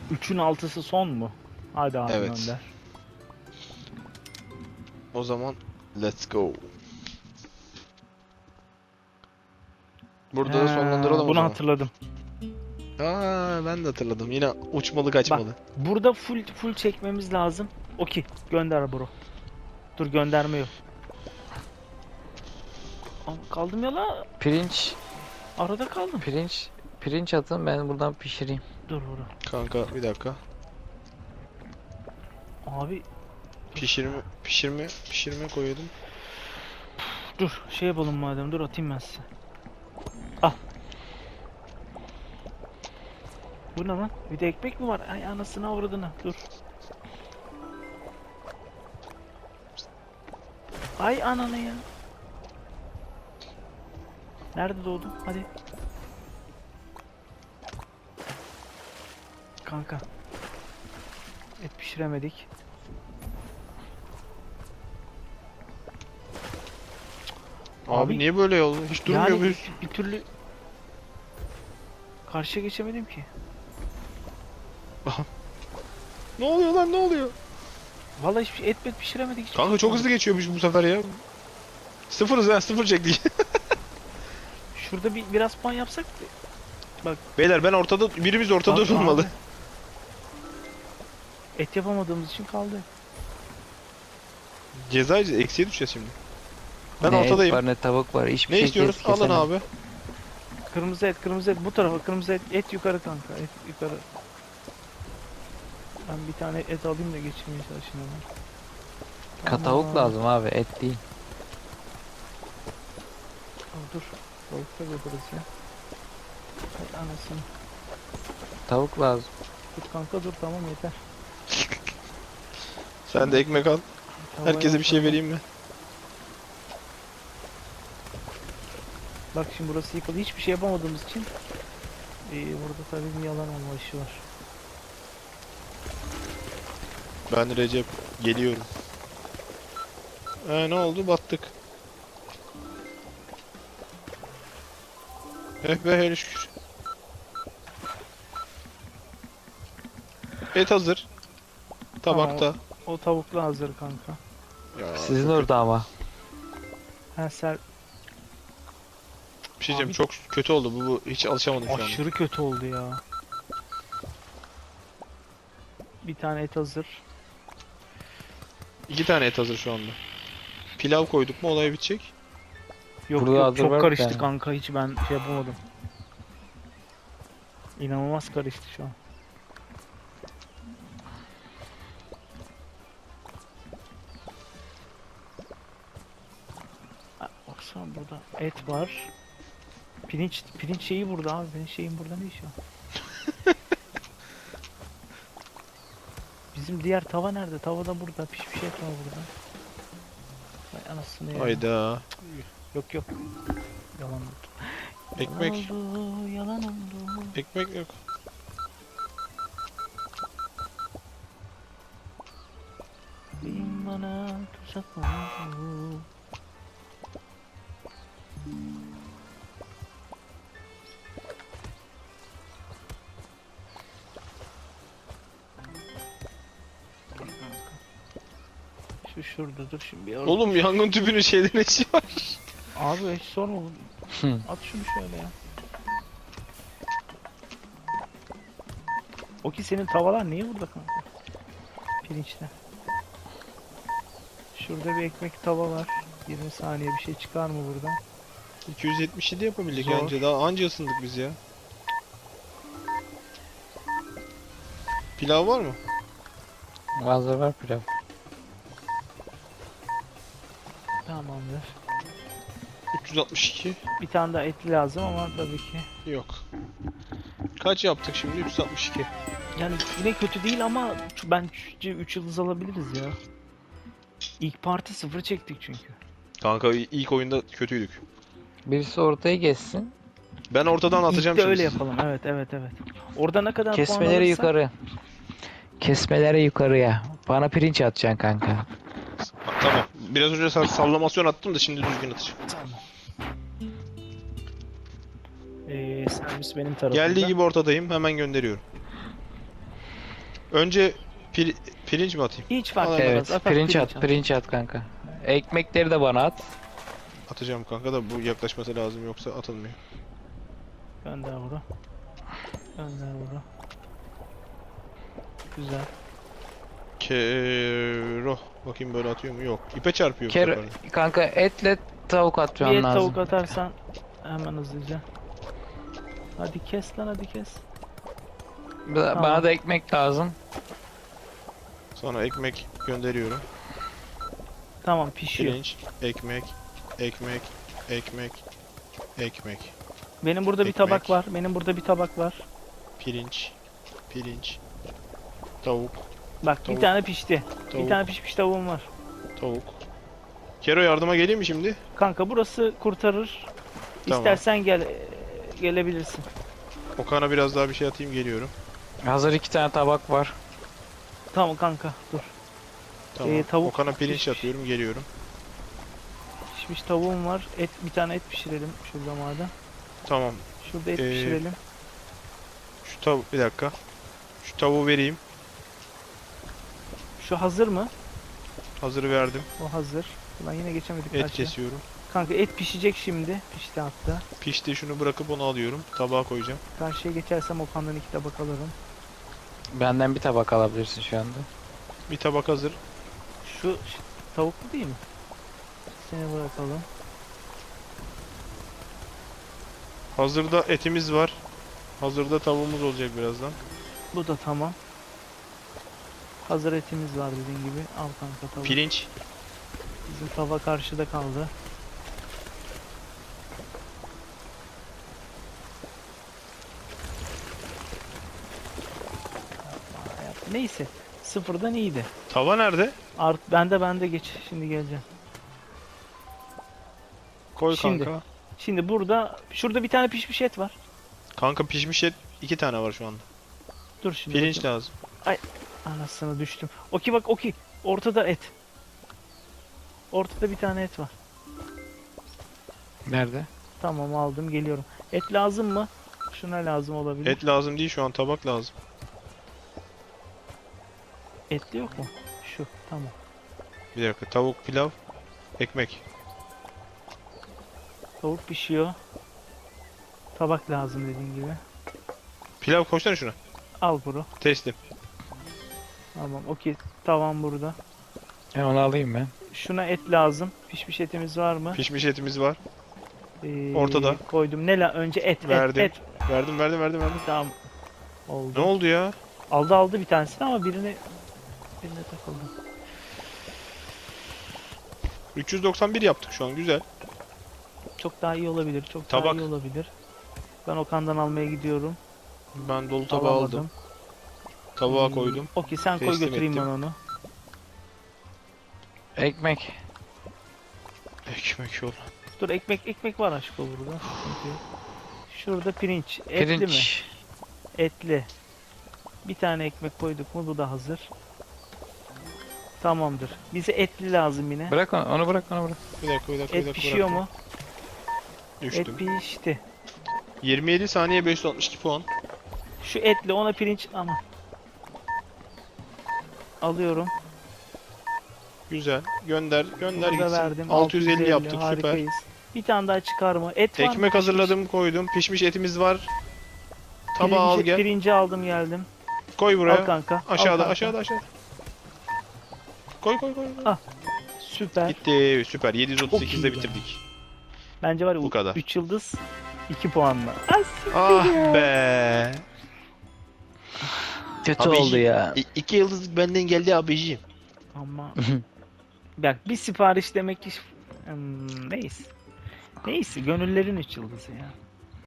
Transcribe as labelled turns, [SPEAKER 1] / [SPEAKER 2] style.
[SPEAKER 1] 3'ün 6'sı son mu? Hadi abi
[SPEAKER 2] Evet.
[SPEAKER 1] gönder.
[SPEAKER 2] O zaman let's go. Burada da sonlandıralım o
[SPEAKER 1] Bunu
[SPEAKER 2] zaman.
[SPEAKER 1] hatırladım.
[SPEAKER 2] Ben de hatırladım. Yine uçmalı
[SPEAKER 1] Bak
[SPEAKER 2] kaçmalı.
[SPEAKER 1] burada full çekmemiz lazım. Okey gönder bro. Dur gönderme yok. Aa, kaldım ya la.
[SPEAKER 3] Pirinç,
[SPEAKER 1] Arada kaldım.
[SPEAKER 3] pirinç atın, ben buradan pişireyim.
[SPEAKER 1] Dur bro.
[SPEAKER 2] Kanka bir dakika.
[SPEAKER 1] Abi
[SPEAKER 2] Pişirme koyuyordum.
[SPEAKER 1] dur şey yapalım madem, dur atayım ben size. Al. Bu ne lan? Bir de ekmek mi var? Ay anasını avradını. Dur. Ay ananı ya. Nerede doğdun? Hadi. Kanka. Et pişiremedik.
[SPEAKER 2] Abi niye böyle oldu? Hiç durmuyor
[SPEAKER 1] yani
[SPEAKER 2] muyuz?
[SPEAKER 1] bir türlü karşıya geçemedim ki.
[SPEAKER 2] Ne oluyor lan, ne oluyor?
[SPEAKER 1] Vallahi hiçbir şey, et pişiremedik. Hiçbir
[SPEAKER 2] Kanka
[SPEAKER 1] şey
[SPEAKER 2] çok
[SPEAKER 1] yapmadık.
[SPEAKER 2] hızlı geçiyormuş bu sefer ya. Sıfırız ha, sıfır çektik.
[SPEAKER 1] Şurada biraz puan yapsak.
[SPEAKER 2] Beyler ben ortada, birimiz ortada
[SPEAKER 1] Abi,
[SPEAKER 2] durmalı.
[SPEAKER 1] abi. Et yapamadığımız için kaldı.
[SPEAKER 2] Ceza eksiye düşeceğiz şimdi. Ben
[SPEAKER 3] Ne
[SPEAKER 2] ortadayım.
[SPEAKER 3] et var ne tavuk var. Hiçbir
[SPEAKER 2] Ne
[SPEAKER 3] şey
[SPEAKER 2] istiyoruz? Alın
[SPEAKER 3] kesemem.
[SPEAKER 2] abi.
[SPEAKER 1] Kırmızı et bu tarafa, kırmızı et yukarı kanka, et yukarı. Ben bir tane et alayım da geçirmeye çalışayım hemen.
[SPEAKER 3] Tavuk lazım abi, et değil.
[SPEAKER 1] Dur. Tavuk da yaparız ya. Hay anasını.
[SPEAKER 3] Tavuk lazım.
[SPEAKER 1] Dur kanka dur, tamam yeter.
[SPEAKER 2] Sen de ekmek al.
[SPEAKER 1] Tavaya
[SPEAKER 2] Herkese bir şey
[SPEAKER 1] bakalım.
[SPEAKER 2] vereyim mi?
[SPEAKER 1] Bak şimdi burası yıkıldı. Hiçbir şey yapamadığımız için burada tabii bir yalan olma işi var.
[SPEAKER 2] Ben Recep geliyorum. Ne oldu? Battık. Be hele şükür. Et hazır. Tabakta.
[SPEAKER 1] O tavuklu hazır kanka.
[SPEAKER 2] Ya,
[SPEAKER 3] Sizin orada ama.
[SPEAKER 1] Ha sen
[SPEAKER 2] bir şey diyeceğim,
[SPEAKER 1] Abi-
[SPEAKER 2] çok kötü oldu bu. Hiç alışamadım şu an.
[SPEAKER 1] aşırı kötü oldu ya. Bir tane et hazır.
[SPEAKER 2] 2 tane et hazır şu anda. Pilav koyduk mu olay bitecek.
[SPEAKER 1] Yok
[SPEAKER 3] Burada
[SPEAKER 1] yok
[SPEAKER 3] hazır
[SPEAKER 1] çok
[SPEAKER 3] var bir
[SPEAKER 1] karıştı
[SPEAKER 3] tane.
[SPEAKER 1] kanka, hiç ben şey yapamadım. İnanılmaz karıştı şu an. Baksana burada et var. Pirinç şeyi burada abi. Pirinç şeyin burada ne işi var? Bizim diğer tava nerede? Tava da burada. Pişmiş et var burada. Vay anasını ya.
[SPEAKER 2] Hayda.
[SPEAKER 1] Yok yok. Yalan oldu.
[SPEAKER 2] Ekmek.
[SPEAKER 1] Yalan oldu. Yalan oldu.
[SPEAKER 2] Ekmek yok.
[SPEAKER 1] Bin bana tuzak oldu. Şurada dur şimdi bir
[SPEAKER 2] Oğlum yangın tüpünün şeyde ne işi var?
[SPEAKER 1] Abi hiç sorma.
[SPEAKER 3] Hı.
[SPEAKER 1] At şunu şöyle ya. O ki senin tavalar niye burada kanka? Pirinçte. Şurada bir ekmek tava var. 20 saniye bir şey çıkar mı buradan?
[SPEAKER 2] 277 yapabildik
[SPEAKER 1] Zor.
[SPEAKER 2] anca, daha anca ısındık biz ya. Pilav var mı?
[SPEAKER 3] Hazır var pilav.
[SPEAKER 1] Tamamdır.
[SPEAKER 2] 362
[SPEAKER 1] Bir tane daha etli lazım ama tabii ki.
[SPEAKER 2] yok. Kaç yaptık şimdi? 362.
[SPEAKER 1] Yani yine kötü değil ama bence 3 yıldız alabiliriz ya. İlk parti 0 çektik çünkü.
[SPEAKER 2] Kanka ilk oyunda kötüydük.
[SPEAKER 3] Birisi ortaya geçsin.
[SPEAKER 2] Ben ortadan atacağım
[SPEAKER 1] İlk de
[SPEAKER 2] şimdi.
[SPEAKER 1] öyle
[SPEAKER 2] sizi.
[SPEAKER 1] yapalım. Evet. Orada ne kadar puan
[SPEAKER 3] Kesmeleri
[SPEAKER 1] alırsak-
[SPEAKER 3] yukarı. Kesmeleri yukarıya. Bana pirinç atacaksın kanka.
[SPEAKER 2] Tamam. Biraz önce sallamasyon attım da şimdi düzgün atacağım.
[SPEAKER 1] Tamam. Servis benim tarafımda.
[SPEAKER 2] Geldiği gibi ortadayım. Hemen gönderiyorum. Önce pirinç mi atayım?
[SPEAKER 1] Hiç fark
[SPEAKER 2] Al,
[SPEAKER 1] etmez.
[SPEAKER 3] Evet,
[SPEAKER 1] At,
[SPEAKER 3] pirinç at,
[SPEAKER 1] at.
[SPEAKER 3] pirinç at kanka. Ekmekleri de bana at.
[SPEAKER 2] Atacağım kanka da bu yaklaşması lazım yoksa atılmıyor.
[SPEAKER 1] Gönder bunu. Gönder bunu. Güzel.
[SPEAKER 2] Kero. Bakayım böyle atıyor mu? Yok. İpe çarpıyor bu
[SPEAKER 3] Ker
[SPEAKER 2] sefer de.
[SPEAKER 3] kanka etle tavuk
[SPEAKER 1] Bir
[SPEAKER 3] atman
[SPEAKER 1] et
[SPEAKER 3] lazım.
[SPEAKER 1] tavuk atarsan hemen hızlıca. Hadi kes lan, hadi kes.
[SPEAKER 3] Bana
[SPEAKER 1] Tamam.
[SPEAKER 3] da ekmek lazım.
[SPEAKER 2] Sonra ekmek gönderiyorum.
[SPEAKER 1] Tamam, pişiyor.
[SPEAKER 2] Pirinç, ekmek, ekmek, ekmek, ekmek.
[SPEAKER 1] Benim burada bir
[SPEAKER 2] Ekmek.
[SPEAKER 1] tabak var. Benim burada bir tabak var.
[SPEAKER 2] Pirinç, pirinç, tavuk,
[SPEAKER 1] Bak
[SPEAKER 2] Tavuk.
[SPEAKER 1] bir tane pişti.
[SPEAKER 2] tavuk,
[SPEAKER 1] Bir tane pişmiş tavuğum var.
[SPEAKER 2] tavuk. Kero yardıma geleyim mi şimdi?
[SPEAKER 1] Kanka burası kurtarır.
[SPEAKER 2] Tamam.
[SPEAKER 1] İstersen gelebilirsin.
[SPEAKER 2] Okan'a biraz daha bir şey atayım geliyorum.
[SPEAKER 3] Hazır 2 tane tabak var.
[SPEAKER 1] Tamam kanka, dur.
[SPEAKER 2] Tamam.
[SPEAKER 1] Tavuk
[SPEAKER 2] Okan'a pirinç
[SPEAKER 1] pişmiş.
[SPEAKER 2] atıyorum geliyorum.
[SPEAKER 1] Pişmiş tavuğum var. Bir tane et pişirelim şurada madem.
[SPEAKER 2] Tamam.
[SPEAKER 1] Şurada et
[SPEAKER 2] Ee,
[SPEAKER 1] pişirelim.
[SPEAKER 2] Şu tavuk bir dakika. Şu tavuğu vereyim.
[SPEAKER 1] Şu hazır mı?
[SPEAKER 2] Hazırı verdim.
[SPEAKER 1] O hazır. Ulan yine geçemedik
[SPEAKER 2] Et
[SPEAKER 1] karşıya.
[SPEAKER 2] kesiyorum.
[SPEAKER 1] Kanka et pişecek şimdi. Pişti hatta.
[SPEAKER 2] Pişti, şunu bırakıp onu alıyorum. Tabağa koyacağım.
[SPEAKER 1] Karşıya geçersem Okan'dan 2 tabak alırım.
[SPEAKER 3] Benden bir tabak alabilirsin şu anda.
[SPEAKER 2] Bir tabak hazır.
[SPEAKER 1] Şu tavuklu değil mi? Seni bırakalım.
[SPEAKER 2] Hazırda etimiz var. Hazırda tavuğumuz olacak birazdan.
[SPEAKER 1] Bu da tamam. Hazır etimiz var dediğin gibi. Al kanka tavuk.
[SPEAKER 2] Pirinç.
[SPEAKER 1] Bizim tava karşıda kaldı. Neyse. Sıfırdan iyiydi.
[SPEAKER 2] Tava nerede?
[SPEAKER 1] Bende geç. Şimdi geleceğim.
[SPEAKER 2] Koy
[SPEAKER 1] Şimdi.
[SPEAKER 2] kanka.
[SPEAKER 1] Şimdi şurada bir tane pişmiş et var.
[SPEAKER 2] Kanka pişmiş et 2 tane var şu anda.
[SPEAKER 1] Dur şimdi.
[SPEAKER 2] Pirinç
[SPEAKER 1] bakayım.
[SPEAKER 2] lazım.
[SPEAKER 1] Anasını düştüm. Oki bak Oki. Ortada et. Ortada bir tane et var.
[SPEAKER 3] Nerede?
[SPEAKER 1] Tamam, aldım, geliyorum. Et lazım mı? Şuna lazım olabilir.
[SPEAKER 2] Et lazım değil şu an, tabak lazım.
[SPEAKER 1] Etli yok mu? Şu. Tamam.
[SPEAKER 2] Bir dakika, tavuk, pilav, ekmek.
[SPEAKER 1] Tavuk pişiyor. Tabak lazım dediğin gibi.
[SPEAKER 2] Pilav koysana şuna.
[SPEAKER 1] Al bunu.
[SPEAKER 2] Teslim.
[SPEAKER 1] Tamam. Okey. Tavan burada.
[SPEAKER 3] Onu alayım ben.
[SPEAKER 1] Şuna et lazım. Pişmiş etimiz var mı?
[SPEAKER 2] Pişmiş etimiz var. Ortada.
[SPEAKER 1] Koydum. Önce et.
[SPEAKER 2] Verdim.
[SPEAKER 1] Et.
[SPEAKER 2] Verdim.
[SPEAKER 1] Tamam. Oldu.
[SPEAKER 2] Ne oldu ya?
[SPEAKER 1] Aldı bir tanesini ama birine takıldı.
[SPEAKER 2] 391 yaptık şu an, güzel.
[SPEAKER 1] Çok daha iyi olabilir. Çok
[SPEAKER 2] Tabak.
[SPEAKER 1] daha iyi olabilir. Ben Okan'dan almaya gidiyorum.
[SPEAKER 2] Ben dolu tabağı aldım. Tabağa koydum.
[SPEAKER 1] Okey, sen koy,
[SPEAKER 2] Teslim
[SPEAKER 1] götüreyim
[SPEAKER 2] ettim.
[SPEAKER 1] ben onu.
[SPEAKER 3] Ekmek.
[SPEAKER 2] Ekmek yol.
[SPEAKER 1] Dur, ekmek var aşkı burada. Sıkıntı yok. Şurada pirinç. Etli mi?
[SPEAKER 3] Pirinç.
[SPEAKER 1] Etli. Bir tane ekmek koyduk mu bu da hazır. Tamamdır. Bize etli lazım yine.
[SPEAKER 3] Bırak onu bırak.
[SPEAKER 2] Bir dakika.
[SPEAKER 1] Et pişiyor mu?
[SPEAKER 2] Düştüm.
[SPEAKER 1] Et pişti.
[SPEAKER 2] 27 saniye 562 puan.
[SPEAKER 1] Şu etli, ona pirinç ama. Alıyorum.
[SPEAKER 2] Güzel. Gönder
[SPEAKER 1] Bunu da
[SPEAKER 2] gitsin.
[SPEAKER 1] verdim.
[SPEAKER 2] 650 yaptık, süper.
[SPEAKER 1] Harikayız. Bir tane daha çıkar mı? Et var mı?
[SPEAKER 2] Ekmek hazırladım, koydum. Pişmiş etimiz var. Tabağı al gel.
[SPEAKER 1] Pirinci aldım, geldim.
[SPEAKER 2] Koy buraya.
[SPEAKER 1] Al kanka. al
[SPEAKER 2] Aşağıda,
[SPEAKER 1] kanka.
[SPEAKER 2] aşağıda. Koy.
[SPEAKER 1] Süper.
[SPEAKER 2] Gitti. Süper.
[SPEAKER 1] Çok iyi
[SPEAKER 2] 738'de
[SPEAKER 1] ya.
[SPEAKER 2] bitirdik.
[SPEAKER 1] Bence var ya,
[SPEAKER 2] Bu kadar.
[SPEAKER 1] 3 yıldız 2 puanla.
[SPEAKER 2] Ah be.
[SPEAKER 3] Kötü
[SPEAKER 2] Abiciğim,
[SPEAKER 3] oldu ya.
[SPEAKER 2] 2 yıldızlık benden geldi abiciğim.
[SPEAKER 1] Ama bak, bir sipariş demek ki neyse. Neyse, gönüllerin 3 yıldızı ya.